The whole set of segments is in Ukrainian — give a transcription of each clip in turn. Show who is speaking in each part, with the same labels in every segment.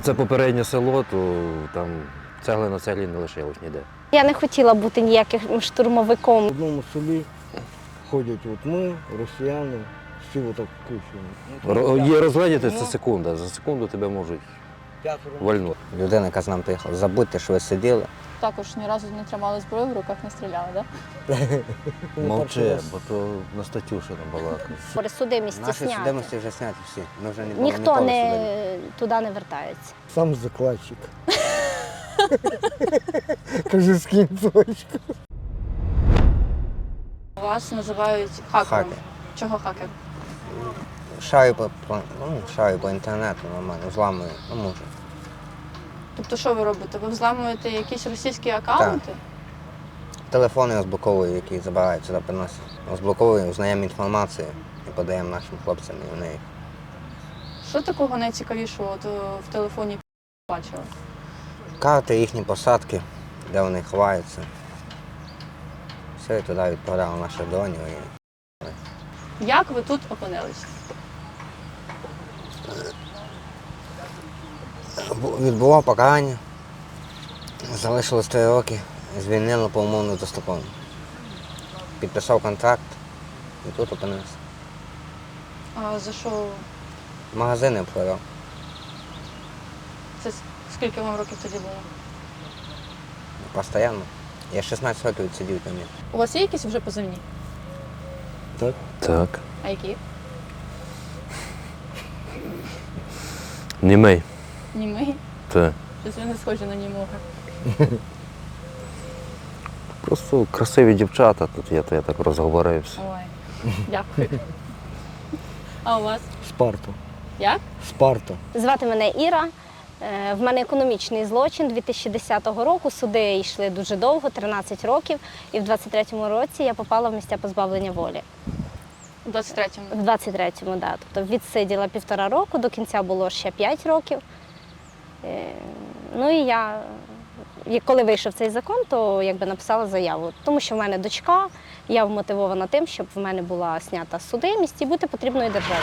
Speaker 1: це попереднє село, то там цегли на цеглі не лишилось ніде.
Speaker 2: Я не хотіла бути ніяким штурмовиком.
Speaker 3: В одному селі ходять ми, росіяни, всі отак кучені.
Speaker 1: Є розгледіти, це секунда. За секунду тебе можуть вальнути.
Speaker 4: Людина, яка з нами приїхала, забудьте, що ви сиділи.
Speaker 5: Також ні разу не тримали зброю в руках, не стріляли, так?
Speaker 1: Мовчи, бо то на статтю ще не балакає.
Speaker 2: Судимості
Speaker 4: Наші
Speaker 2: зняти.
Speaker 4: судимості вже зняті всі. Ми вже не були
Speaker 2: Ніхто
Speaker 4: ніколи
Speaker 2: не
Speaker 4: судимі.
Speaker 2: туди не вертається.
Speaker 3: Сам закладчик. Кажу, скинь точку.
Speaker 5: Вас називають хакером.
Speaker 4: Хакер.
Speaker 5: Чого хакер?
Speaker 4: Шарю по інтернету нормально, взламую, можу.
Speaker 5: Тобто що ви робите? Ви взламуєте якісь російські аккаунти?
Speaker 4: Телефони розблоковую, які забирають сюди, приносять. Розблоковую, узнаємо інформацію і подаємо нашим хлопцям і вони.
Speaker 5: Що такого найцікавішого от, в телефоні бачили?
Speaker 4: Карти, їхні посадки, де вони ховаються. Все, і туди відправляли наших дронів.
Speaker 5: Як ви тут опинились?
Speaker 4: Відбував покарання, залишилось 3 роки, звільнили по умовно достроково. Підписав контракт і тут опинився.
Speaker 5: А за що?
Speaker 4: Магазини продав.
Speaker 5: Це скільки вам років тоді було?
Speaker 4: Постоянно. Я 16 років відсидів там.
Speaker 5: У вас є якісь вже позивні?
Speaker 3: Так.
Speaker 1: Так.
Speaker 5: А які?
Speaker 1: Німей.
Speaker 5: Німий?
Speaker 1: Так.
Speaker 5: Щось ви не схожі на німого.
Speaker 1: Просто красиві дівчата, тут я так розговорився.
Speaker 5: Ой, дякую. А у вас?
Speaker 3: Спарта.
Speaker 5: Як?
Speaker 3: Спарта.
Speaker 2: Звати мене Іра. В мене економічний злочин 2010 року. Суди йшли дуже довго, 13 років. І в 23-му році я попала в місця позбавлення волі.
Speaker 5: У 23-му?
Speaker 2: В 23-му, так. Тобто відсиділа 1,5 року, до кінця було ще 5 років. Ну і коли вийшов цей закон, то написала заяву. Тому що в мене дочка, я вмотивована тим, щоб в мене була знята судимість і бути потрібною державі.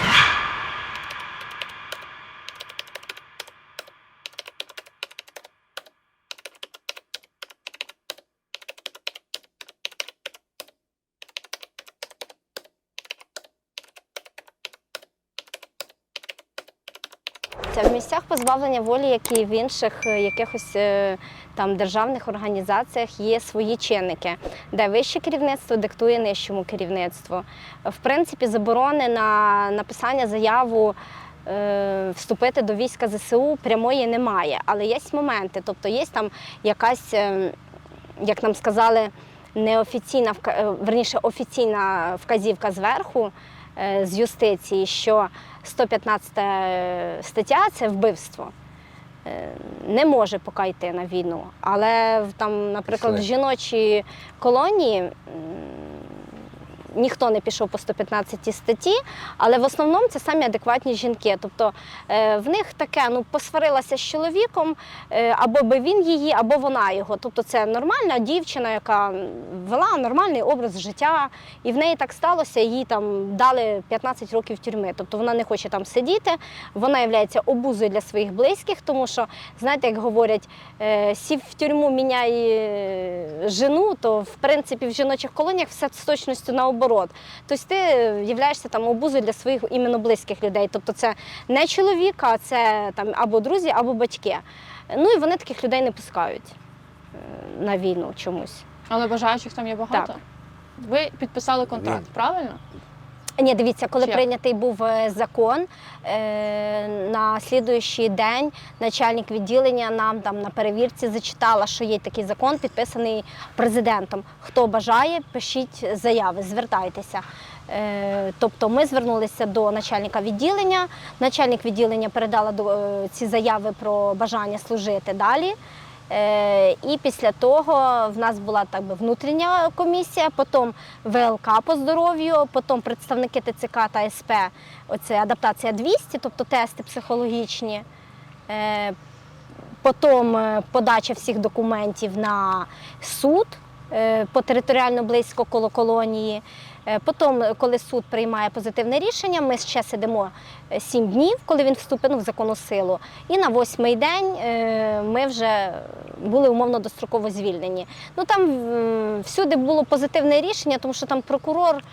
Speaker 2: Це в місцях позбавлення волі, як і в інших якихось там державних організаціях, є свої чинники, де вище керівництво диктує нижчому керівництву. В принципі, заборони на написання заяву вступити до війська ЗСУ прямої немає, але є моменти, тобто є там якась, як нам сказали, неофіційна, верніше офіційна вказівка зверху, з юстиції, що 115 стаття – це вбивство. Не може поки йти на війну. Але там, наприклад, в жіночій колонії ніхто не пішов по 115 статті, але в основному це самі адекватні жінки. Тобто в них таке, посварилася з чоловіком, або би він її, або вона його. Тобто це нормальна дівчина, яка вела нормальний образ життя, і в неї так сталося, їй там дали 15 років тюрми. Тобто вона не хоче там сидіти, вона є обузою для своїх близьких, тому що, знаєте, як говорять, сів в тюрму, міняй жену, то в принципі в жіночих колоніях все з точністю наоборот. Тобто ти являєшся там обузою для своїх іменно близьких людей. Тобто це не чоловік, а це там або друзі, або батьки. Ну і вони таких людей не пускають на війну чомусь.
Speaker 5: Але бажаючих там є багато?
Speaker 2: Так.
Speaker 5: Ви підписали контракт, правильно?
Speaker 2: Ні, дивіться, коли
Speaker 5: Чи?
Speaker 2: прийнятий був закон, на слідуючий день начальник відділення нам там на перевірці зачитала, що є такий закон, підписаний президентом. Хто бажає, пишіть заяви, звертайтеся. Тобто ми звернулися до начальника відділення, начальник відділення передала ці заяви про бажання служити далі. І після того в нас була так би внутрішня комісія, потім ВЛК по здоров'ю, потім представники ТЦК та СП, оце адаптація 200, тобто тести психологічні, потім подача всіх документів на суд, по територіально близько коло колонії. Потім, коли суд приймає позитивне рішення, ми ще сидимо 7 днів, коли він вступив в законну силу. І на 8-й день ми вже були умовно достроково звільнені. Ну, там всюди було позитивне рішення, тому що там прокурор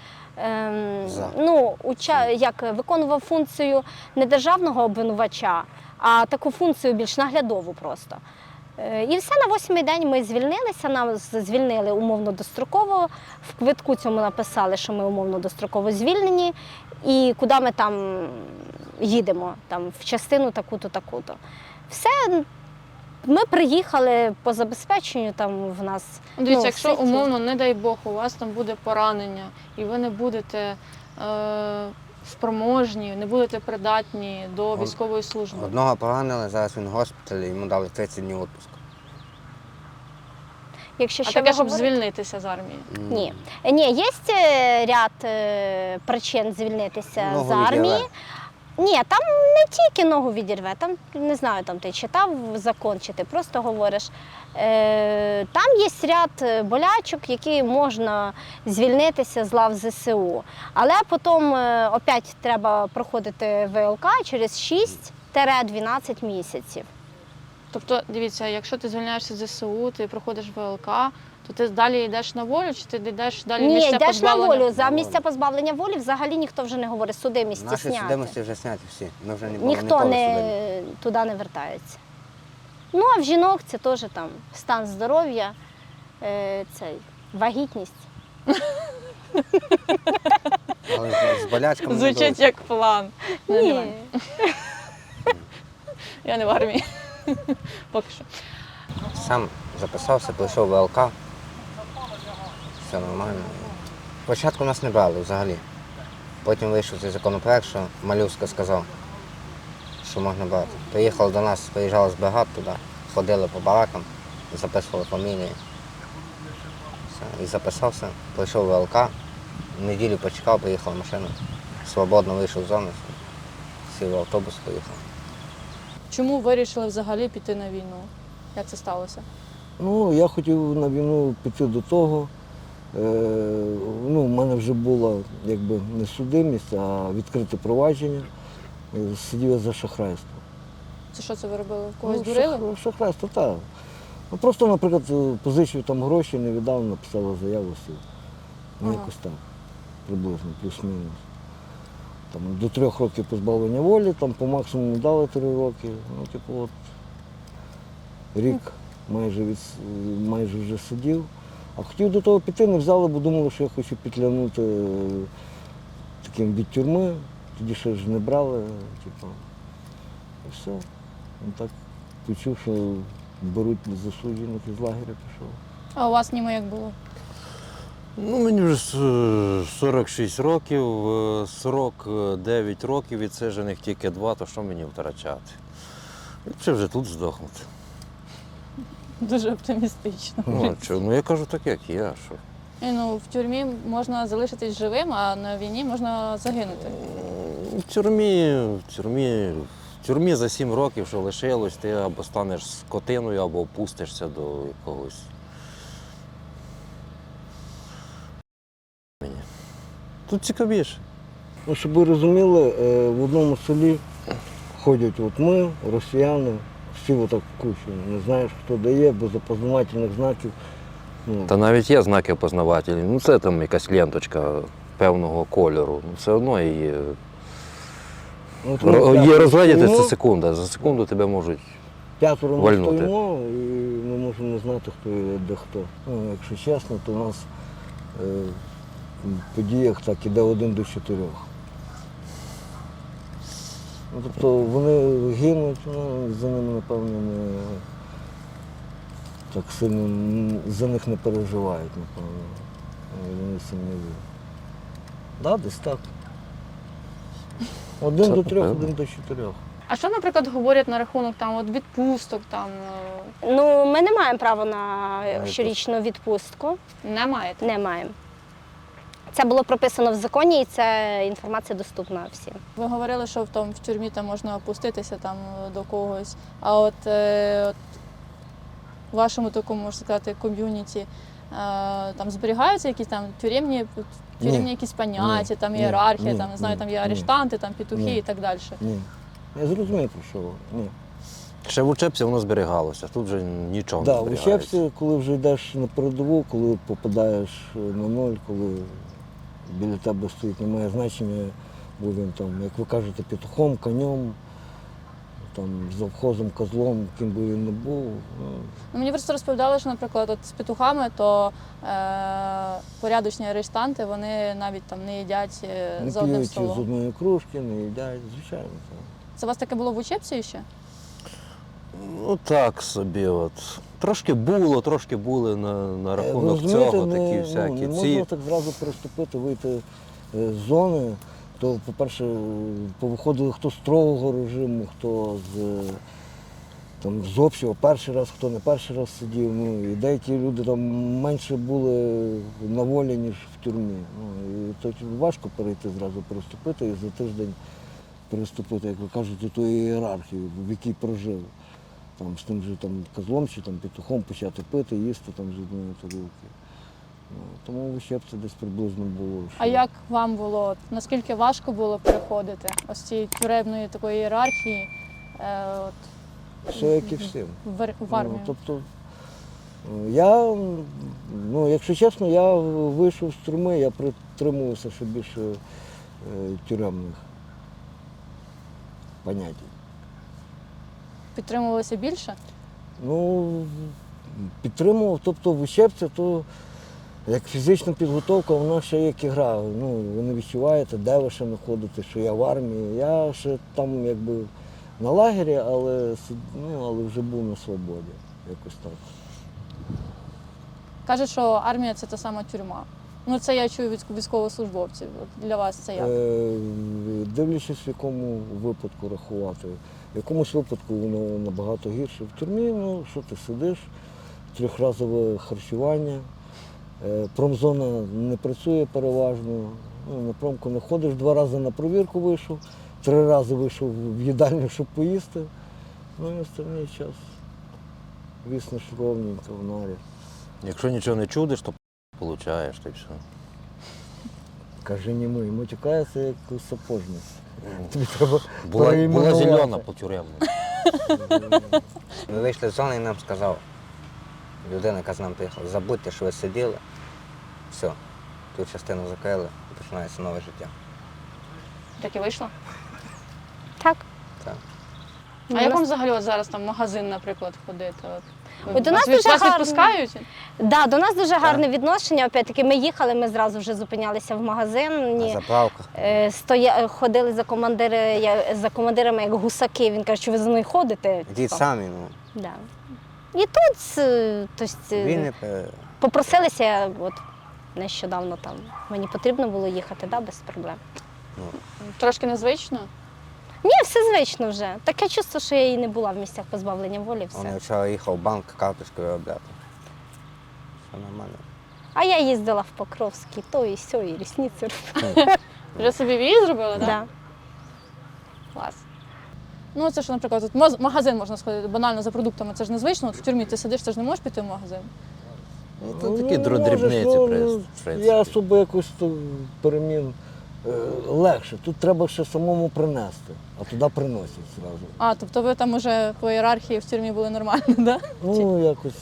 Speaker 2: виконував функцію не державного обвинувача, а таку функцію більш наглядову просто. І все, на 8-й день ми звільнилися, нас звільнили умовно достроково, в квитку цьому написали, що ми умовно достроково звільнені, і куди ми там їдемо, там, в частину таку-то, таку-то. Все, ми приїхали по забезпеченню, там в нас...
Speaker 5: Дивіться, якщо
Speaker 2: все
Speaker 5: умовно, не дай Бог, у вас там буде поранення, і ви не будете спроможні, не будете придатні до військової служби.
Speaker 4: Одного поранили, зараз він в госпіталі, йому дали 30 днів відпуску.
Speaker 2: Якщо
Speaker 5: А
Speaker 2: ще
Speaker 5: таке,
Speaker 2: ви
Speaker 5: щоб
Speaker 2: говорите-
Speaker 5: звільнитися з армії?
Speaker 2: Ні. Ні, є ряд причин звільнитися
Speaker 4: Ногу
Speaker 2: з армії.
Speaker 4: відірве.
Speaker 2: Ні, там не тільки ногу відірве, там, не знаю, там ти читав закон, чи ти просто говориш. Там є ряд болячок, які можна звільнитися з лав ЗСУ. Але потім опять треба проходити ВЛК через 6-12 місяців.
Speaker 5: Тобто, дивіться, якщо ти звільняєшся з ЗСУ, ти проходиш ВЛК, то ти далі йдеш на волю, чи ти йдеш далі в
Speaker 2: Ні,
Speaker 5: місця
Speaker 2: йдеш на
Speaker 5: позбавлення?
Speaker 2: волю. За місця позбавлення волі взагалі ніхто вже не говорить, судимості
Speaker 4: Наші
Speaker 2: зняти.
Speaker 4: судимості вже зняті всі. Ми вже не були
Speaker 2: Ніхто
Speaker 4: ніколи
Speaker 2: не,
Speaker 4: судимі.
Speaker 2: туди не вертається. Ну, а в жінок це теж там стан здоров'я, вагітність.
Speaker 4: Але з болячками не
Speaker 5: Звучить
Speaker 4: дуже.
Speaker 5: як план. Не,
Speaker 2: Ні.
Speaker 5: немає. Я не в армії. Поки що.
Speaker 4: Сам записався, прийшов в ВЛК. Все нормально. Спочатку нас не брали взагалі. Потім вийшов цей законопроект, що Малюська сказав, що можна брати. Приїхали до нас, приїжджали з бригад туди, ходили по баракам, записували фамілії. Все. І записався, прийшов в ВЛК, неділю почекав, приїхала машина. Свободно вийшов з зони, сів в автобус, поїхав.
Speaker 5: Чому вирішили взагалі піти на війну? Як це сталося?
Speaker 3: Ну, я хотів на війну піти до того. У мене вже була якби не судимість, а відкрите провадження. Сидів я за шахрайство.
Speaker 5: Це що це ви робили? Когось дурили?
Speaker 3: Шахрайство, так. Ну, просто, наприклад, позичив там гроші, не віддав, написала заяву, сів. Ну,
Speaker 5: Ага.
Speaker 3: якось так, приблизно, плюс-мінус. Там, до 3 років позбавлення волі, там по максимуму дали 3 роки. Ну, типу, от рік майже вже сидів. А хотів до того піти, не взяли, бо думали, що я хочу петлянути таким від тюрми. Тоді ще ж не брали, типу. І все. Ну, так почув, що беруть засуджених із лагеря, пішов.
Speaker 5: А у вас німо як було?
Speaker 1: Ну, мені вже 46 років, 49 років відсиджених тільки 2, то що мені втрачати? Ліпше вже тут здохнути.
Speaker 5: Дуже оптимістично.
Speaker 1: Ну, я кажу так, як є, що.
Speaker 5: І, в тюрмі можна залишитись живим, а на війні можна загинути.
Speaker 1: В тюрмі за 7 років, що лишилось, ти або станеш скотиною, або опустишся до якогось. Тут цікавіше.
Speaker 3: Ну, щоб ви розуміли, в одному селі ходять от ми, росіяни, всі отак в кучі. Не знаєш, хто дає, без опознавательних знаків. Ну,
Speaker 1: Та навіть є знаки опознавательні. Ну, це там якась ленточка певного кольору. Ну, все одно її.
Speaker 3: от ми
Speaker 1: Її
Speaker 3: п'ятеро
Speaker 1: розгледіти це
Speaker 3: стоїмо,
Speaker 1: секунда. За секунду тебе можуть.
Speaker 3: 5 ми
Speaker 1: вальнути.
Speaker 3: стоїмо, і ми можемо не знати, хто є, де хто. Ну, якщо чесно, то у нас в подіях так іде 1 до 4. Ну, тобто вони гинуть, за ними, напевно, не так сильно за них не переживають, напевно. Вони сильні. Так, десь так. 1
Speaker 1: Це
Speaker 3: до 3,
Speaker 1: напевно.
Speaker 3: 1 до 4.
Speaker 5: А що, наприклад, говорять на рахунок відпусток?
Speaker 2: Ну, ми не маємо права на щорічну відпустку.
Speaker 5: Не маєте?
Speaker 2: Не маємо. Це було прописано в законі, і ця інформація доступна всім.
Speaker 5: Ви говорили, що в тюрмі там можна опуститися до когось. А от в вашому такому, можна сказати, ком'юніті там зберігаються якісь там тюремні якісь поняття, там ієрархія, там не знаю, там є арештанти, там петухи і так далі.
Speaker 3: Ні. Я зрозумів, про що ви. Ні.
Speaker 1: Ще в учебці воно зберігалося, тут вже нічого
Speaker 3: Да,
Speaker 1: не
Speaker 3: в
Speaker 1: зберігається.
Speaker 3: учебці, коли вже йдеш на передову, коли попадаєш на ноль, коли біля тебе стоїть, немає значення, бо він там, як ви кажете, петухом, конем, там, завхозом, козлом, ким би він не був.
Speaker 5: Ну, мені просто розповідали, що, наприклад, от з петухами, то порядочні арештанти, вони навіть там не їдять
Speaker 3: Не
Speaker 5: за одним
Speaker 3: п'ють з
Speaker 5: столом.
Speaker 3: одної кружки, не їдять, звичайно. Так.
Speaker 5: Це у вас таке було в учебці ще?
Speaker 1: Ну так собі от. Трошки були на
Speaker 3: Ви
Speaker 1: рахунок
Speaker 3: розумієте,
Speaker 1: цього,
Speaker 3: не,
Speaker 1: такі
Speaker 3: не
Speaker 1: всякі.
Speaker 3: можна так зразу переступити, вийти з зони, то, по-перше, повиходили хто з строгого режиму, хто з общого, перший раз, хто не перший раз сидів. Ну, і деякі люди там менше були на волі, ніж в тюрмі. Ну, і то важко перейти зразу, переступити і за тиждень переступити, як ви кажете, ту ієрархію, в якій прожив. Там, з тим же там, козлом чи там, петухом почати пити, їсти там, з одної тарілки. Ну, тому в учебці десь приблизно було.
Speaker 5: А як вам було? От наскільки важко було переходити ось цієї тюремної такої ієрархії
Speaker 3: Все як і всім.
Speaker 5: в армію?
Speaker 3: Ну, тобто, я, ну, якщо чесно, я вийшов з тюрми, я притримувався ще більше тюремних понять.
Speaker 5: Підтримувалося більше?
Speaker 3: Ну, підтримував, тобто в учебці, то як фізична підготовка, вона ще як ігра. Ну, ви не відчуваєте, де ви ще знаходитесь, що я в армії. Я ще там якби на лагері, але вже був на свободі. Якось так.
Speaker 5: Кажуть, що армія це та сама тюрма. Ну це я чую від військовослужбовців. От для вас це як?
Speaker 3: Дивлячись, в якому випадку рахувати. В якомусь випадку воно набагато гірше. В тюрмі, ну що ти сидиш, трьохразове харчування, промзона не працює переважно, ну, на промку не ходиш, 2 рази на провірку вийшов, 3 рази вийшов в їдальню, щоб поїсти. Ну і останній час віснеш ровненько в нарі.
Speaker 1: Якщо нічого не чудиш, то получаєш, та й все.
Speaker 3: Каже, ні ми, матюкається як сапожник. Тобі треба
Speaker 1: Була
Speaker 3: переіменувати.
Speaker 1: зелена по тюремному.
Speaker 4: Ми вийшли з зони і нам сказав, людина, яка з нами приїхала, забудьте, що ви сиділи, все, ту частину закрили і починається нове життя.
Speaker 5: Так і вийшло?
Speaker 2: Так.
Speaker 4: Так.
Speaker 5: А як вам взагалі от зараз там в магазин, наприклад, ходити?
Speaker 2: Ой, до нас дуже
Speaker 5: вас
Speaker 2: гарно.
Speaker 5: відпускають?
Speaker 2: Да, до нас дуже гарне відношення. Опять-таки, ми їхали, ми зразу вже зупинялися в магазин.
Speaker 4: На заправках.
Speaker 2: Ходили за командирами як гусаки. Він каже, що ви за мною ходите.
Speaker 4: Йдіть самі, ну.
Speaker 2: Да. І тут
Speaker 4: Він не
Speaker 2: попросилися, от нещодавно там мені потрібно було їхати, да, без проблем.
Speaker 5: Трошки незвично?
Speaker 2: Ні, все звично вже. Таке чувство, що я і не була в місцях позбавлення волі,
Speaker 4: Он
Speaker 2: все.
Speaker 4: вчора їхав в банк карточкою виробляти. Все нормально.
Speaker 2: А я їздила в Покровський, то і сьо, і рісниці робила.
Speaker 5: Вже собі в'їзд зробили, так?
Speaker 2: Да.
Speaker 5: Клас. Ну, це ж, наприклад, тут в магазин можна сходити банально за продуктами, це ж незвично. От в тюрмі ти сидиш, ти ж не можеш піти в магазин.
Speaker 1: Ну, то такі
Speaker 3: можеш,
Speaker 1: дрібниці,
Speaker 3: ну,
Speaker 1: в принципі.
Speaker 3: Я особо якось то перемін легше. Тут треба ще самому принести, а туди приносять одразу.
Speaker 5: А, тобто ви там уже по ієрархії в тюрмі були нормально, так? Да?
Speaker 3: Ну, якось.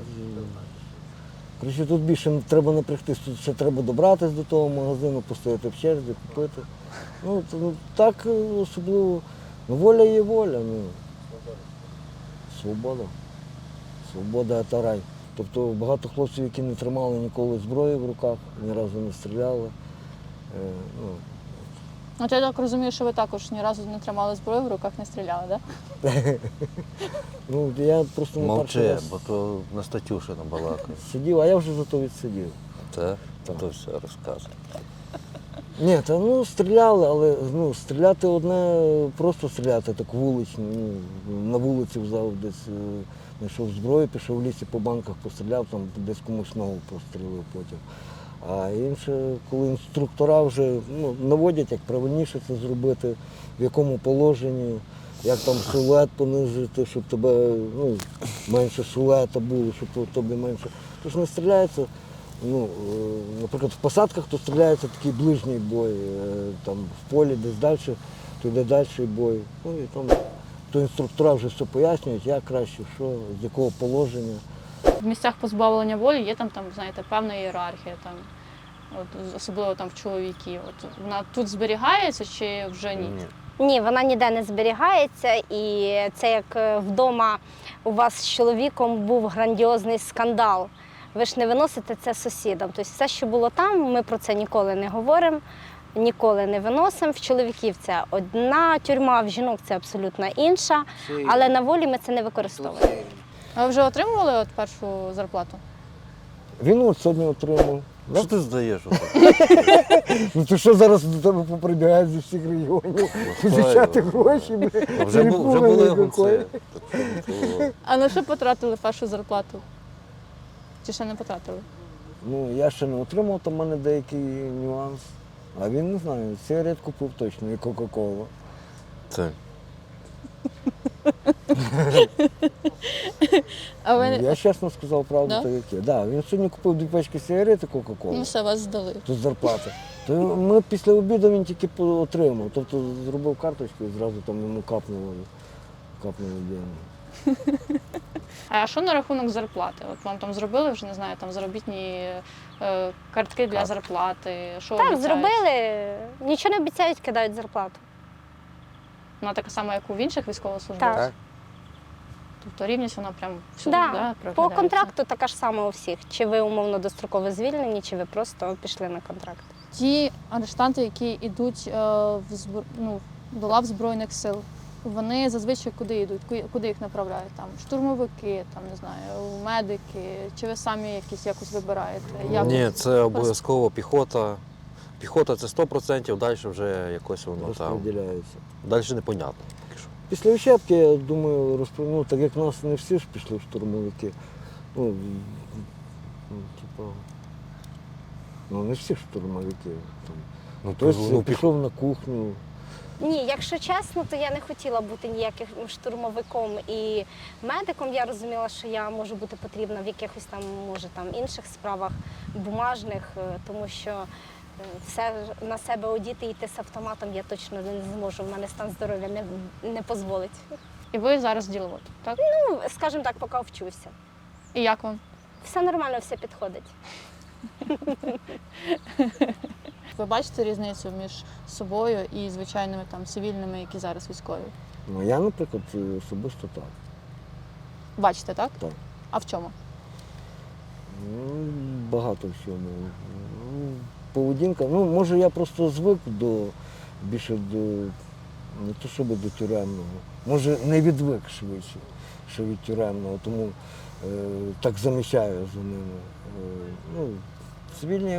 Speaker 3: Коротше, тут більше треба напрягтись, тут ще треба добратися до того магазину, постояти в черзі, купити. Ну, так особливо. Ну, воля є воля. Ну. Свобода. Свобода – це рай. Тобто багато хлопців, які не тримали ніколи зброї в руках, ні разу не стріляли. Ну,
Speaker 5: От я так розумію, що ви також ні разу не тримали зброю в руках, не стріляли, так? Да?
Speaker 3: ну, я просто не перший
Speaker 1: Мовчи,
Speaker 3: раз
Speaker 1: бо то на Статюшина балакає.
Speaker 3: сидів, а я вже зато відсидів.
Speaker 1: Це? То все розказує.
Speaker 3: Ні, та ну стріляли, але ну, стріляти одне, просто стріляти так вулично. Ну, на вулиці взяв десь, знайшов зброю, пішов в лісі по банках, постріляв, там десь комусь ногу пострілив потім. А інше, коли інструктора вже наводять, як правильніше це зробити, в якому положенні, як там силует понизити, щоб тебе менше силуета було, щоб тобі менше. Тож не стріляється, ну, наприклад, в посадках то стріляється такий ближній бой, там в полі десь далі, то йде далі бой. Ну і там то інструктора вже все пояснюють, як краще, що, з якого положення.
Speaker 5: В місцях позбавлення волі є там, знаєте, певна ієрархія, там, от, особливо там в чоловіків. От, вона тут зберігається чи вже ні?
Speaker 4: Ні.
Speaker 2: Ні, вона ніде не зберігається, і це як вдома у вас з чоловіком був грандіозний скандал. Ви ж не виносите це сусідам. Тобто все, що було там, ми про це ніколи не говоримо, ніколи не виносимо. В чоловіків це одна тюрма, в жінок це абсолютно інша, але на волі ми це не використовуємо.
Speaker 5: А ви вже отримували от першу зарплату?
Speaker 3: Він от сьогодні отримав.
Speaker 1: Що ти здаєш?
Speaker 3: Ну то що зараз до тебе поприбігають зі всіх регіонів, позичати гроші,
Speaker 1: Вже були гонці.
Speaker 5: А на що потратили першу зарплату? Чи ще не потратили?
Speaker 3: Ну, я ще не отримав, там в мене деякий нюанс. А він не знаю, сигарет купив точно і Кока-Колу.
Speaker 1: Це.
Speaker 5: А ви...
Speaker 3: Я чесно сказав правду,
Speaker 5: Да?
Speaker 3: то яке. Да, він сьогодні купив 2 пачки сигарет і Кока-Колу.
Speaker 5: Ну все, вас здали.
Speaker 3: Тут зарплата. То ми після обіду він тільки отримав. Тобто зробив карточку і зразу там йому капнули деньги.
Speaker 5: А що на рахунок зарплати? От вам там зробили вже, не знаю, там заробітні картки для зарплати? Що
Speaker 2: Так,
Speaker 5: обіцяють?
Speaker 2: зробили, нічого не обіцяють, кидають зарплату.
Speaker 5: Вона така сама, як у інших військовослужбовців?
Speaker 2: Так.
Speaker 5: Тобто рівність вона прям всюди,
Speaker 2: Да.
Speaker 5: да,
Speaker 2: По
Speaker 5: проглядається?
Speaker 2: контракту така ж сама у всіх. Чи ви умовно достроково звільнені, чи ви просто пішли на контракт.
Speaker 5: Ті арештанти, які йдуть до лав Збройних сил, вони зазвичай куди йдуть? Куди їх направляють? Там штурмовики, там не знаю, медики, чи ви самі якось вибираєте? Як
Speaker 1: Ні,
Speaker 5: от?
Speaker 1: це обов'язково піхота. Піхота це 100%, далі вже якось воно там.
Speaker 3: Розподіляється.
Speaker 1: Далі непонятно. Поки що.
Speaker 3: Після Ощепки, я думаю, ну, так як нас не всі ж пішли в штурмовики. Ну, не всі ж штурмовики. Там.
Speaker 1: Ну,
Speaker 3: Хтось пішов на кухню.
Speaker 2: Ні, якщо чесно, то я не хотіла бути ніяким штурмовиком і медиком. Я розуміла, що я можу бути потрібна в якихось там, може, там інших справах бумажних, тому що все на себе одіти і йти з автоматом я точно не зможу. В мене стан здоров'я не дозволить.
Speaker 5: І ви зараз діловод, так?
Speaker 2: Ну, скажімо так, поки вчуся.
Speaker 5: І як вам?
Speaker 2: Все нормально, все підходить.
Speaker 5: Ви бачите різницю між собою і звичайними там цивільними, які зараз військові?
Speaker 3: Ну, я, наприклад, особисто так.
Speaker 5: Бачите, так?
Speaker 3: Так.
Speaker 5: А в чому?
Speaker 3: Ну, багато всього. Поведінка. Ну, може, я просто звик більше до, не то щоб до тюремного. Може, не відвик швидше, що від тюремного, тому так замічаю за ними. Цивільні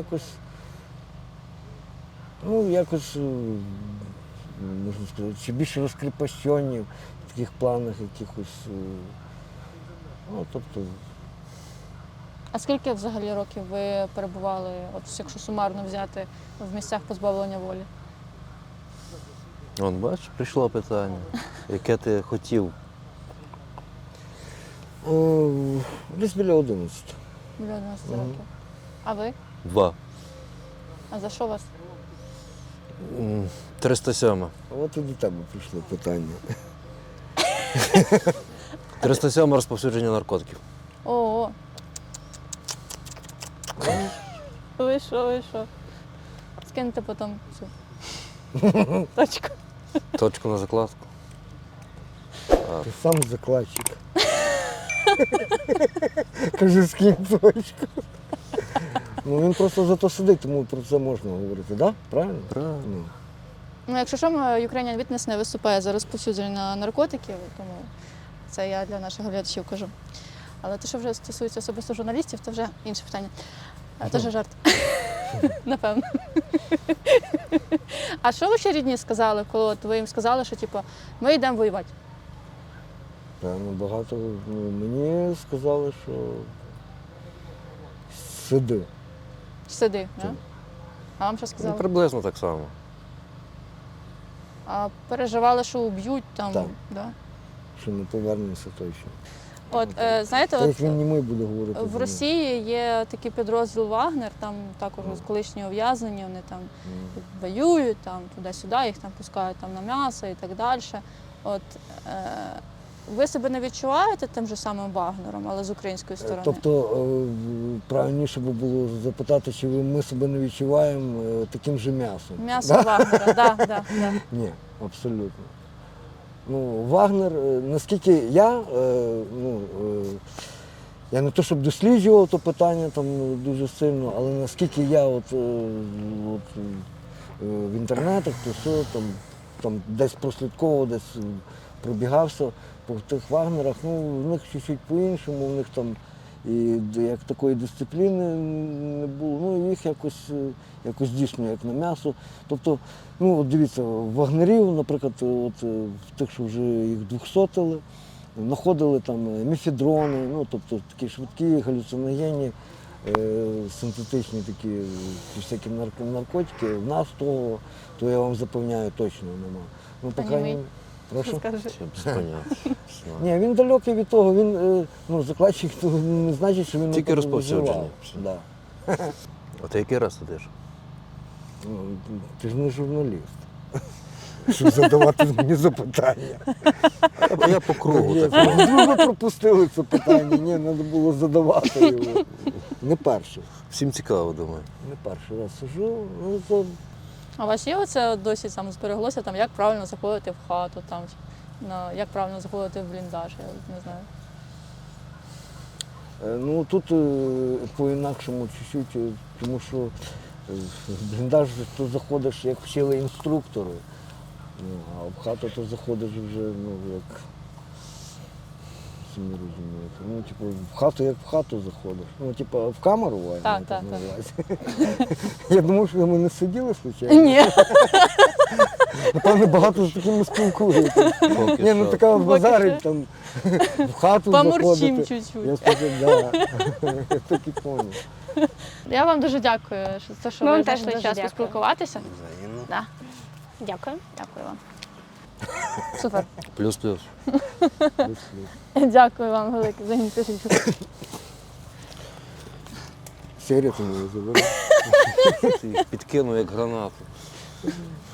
Speaker 3: якось, можна сказати, чи більше розкріпощені в таких планах якихось. Тобто,
Speaker 5: А скільки взагалі років ви перебували, от якщо сумарно взяти, в місцях позбавлення волі?
Speaker 1: Вон, бачиш, прийшло питання, яке ти хотів.
Speaker 3: Десь біля 11.
Speaker 5: Біля 11 років. А ви?
Speaker 1: 2.
Speaker 5: А за що вас?
Speaker 1: 307.
Speaker 3: От і до тебе прийшло питання.
Speaker 1: 307 розповсюдження наркотиків.
Speaker 5: О. Ви що? Скиньте потім цю точку.
Speaker 1: Точку на закладку.
Speaker 3: Ти сам закладчик. Кажи, скинь точку. Ну він просто за то сидить, тому про це можна говорити, так? Да? Правильно?
Speaker 1: Правильно.
Speaker 5: Ну, якщо що, Ukrainian Witness не виступає за розповсюдження наркотиків, тому це я для наших глядачів кажу. Але те, що вже стосується особисто журналістів, це вже інше питання. Це вже жарт. Напевно. А що ваші рідні сказали, коли от ви їм сказали, що типу, ми йдемо воювати?
Speaker 3: Певно, багато. Мені сказали, що сиди.
Speaker 5: Сиди, да? А вам що
Speaker 1: Ну,
Speaker 5: сказали?
Speaker 1: приблизно так само.
Speaker 5: А переживали, що уб'ють там?
Speaker 3: Так.
Speaker 5: Да?
Speaker 3: Що не повернемося точно.
Speaker 5: От, знаєте,
Speaker 3: Та
Speaker 5: от
Speaker 3: як він німий буде говорити.
Speaker 5: в Росії є такий підрозділ Вагнер, там також колишні ув'язнені, вони там воюють, там туди-сюди, їх там пускають там, на м'ясо і так далі. От, ви себе не відчуваєте тим же самим Вагнером, але з української сторони?
Speaker 3: Тобто правильніше би було запитати, чи ми себе не відчуваємо таким же м'ясом.
Speaker 5: М'ясо Вагнера, так, так.
Speaker 3: Ні, абсолютно. Ну, Вагнер, наскільки я не то щоб досліджував то питання там дуже сильно, але наскільки я в інтернетах, то все, там десь прослідковував, десь пробігався по тих Вагнерах, ну, в них чуть-чуть по-іншому, в них там і як такої дисципліни не було, ну, їх якось дійсно як на м'ясо. Тобто, ну, от дивіться, вагнерів, наприклад, от, в тих, що вже їх 200-тили, знаходили там мефедрони, ну, тобто такі швидкі, галюциногенні, синтетичні такі всякі наркотики. В нас того, то я вам запевняю, точно нема. Ну, по крайній мірі. Прошу?
Speaker 1: Це без поняття.
Speaker 3: Ні, він далекий від того, він, закладчик, то не значить, що він
Speaker 1: Тільки
Speaker 3: отак
Speaker 1: розповсюдження.
Speaker 3: вживав. Да.
Speaker 1: А ти який раз сидиш?
Speaker 3: Ну, ти ж не журналіст, щоб задавати мені запитання.
Speaker 1: А я по кругу
Speaker 3: Ні,
Speaker 1: так.
Speaker 3: ви пропустили це питання, ні, треба було задавати його. Не перший,
Speaker 1: Всім цікаво, думаю.
Speaker 3: не перший раз сижу, ну це
Speaker 5: А у вас є оце досі там збереглося, там, як правильно заходити в хату, там, як правильно заходити в бліндаж, я не знаю.
Speaker 3: ну тут по-інакшому чуть-чуть, тому що в бліндаж то заходиш, як вчили інструктори, ну, а в хату то заходиш вже, ну, як самі розумієте. Ну, типу, в хату як в хату заходиш. Ну, типу, в камеру вайна,
Speaker 5: Так,
Speaker 3: я
Speaker 5: так,
Speaker 3: на увазі. Я думав, що ми не сиділи случайно.
Speaker 5: Ні.
Speaker 3: Напевно, багато з такими спілкуєтесь.
Speaker 1: Поки
Speaker 3: Ні, ну
Speaker 1: що.
Speaker 3: така базарить там в хату
Speaker 5: Помурчим
Speaker 3: заходити.
Speaker 5: чуть-чуть.
Speaker 3: Я сказав, да. Я так і поняв.
Speaker 5: Я вам дуже дякую, що
Speaker 2: Ми
Speaker 5: ви
Speaker 2: вам теж
Speaker 5: знайшли
Speaker 2: дуже
Speaker 5: час
Speaker 2: дякуємо.
Speaker 5: поспілкуватися.
Speaker 4: Взаємно.
Speaker 5: Да.
Speaker 2: Дякую.
Speaker 5: Дякую вам. Супер.
Speaker 1: Плюс-плюс.
Speaker 5: Дякую вам велике за інтерв'ю.
Speaker 3: Серія тому заберу.
Speaker 1: Ти їх підкинув як гранату.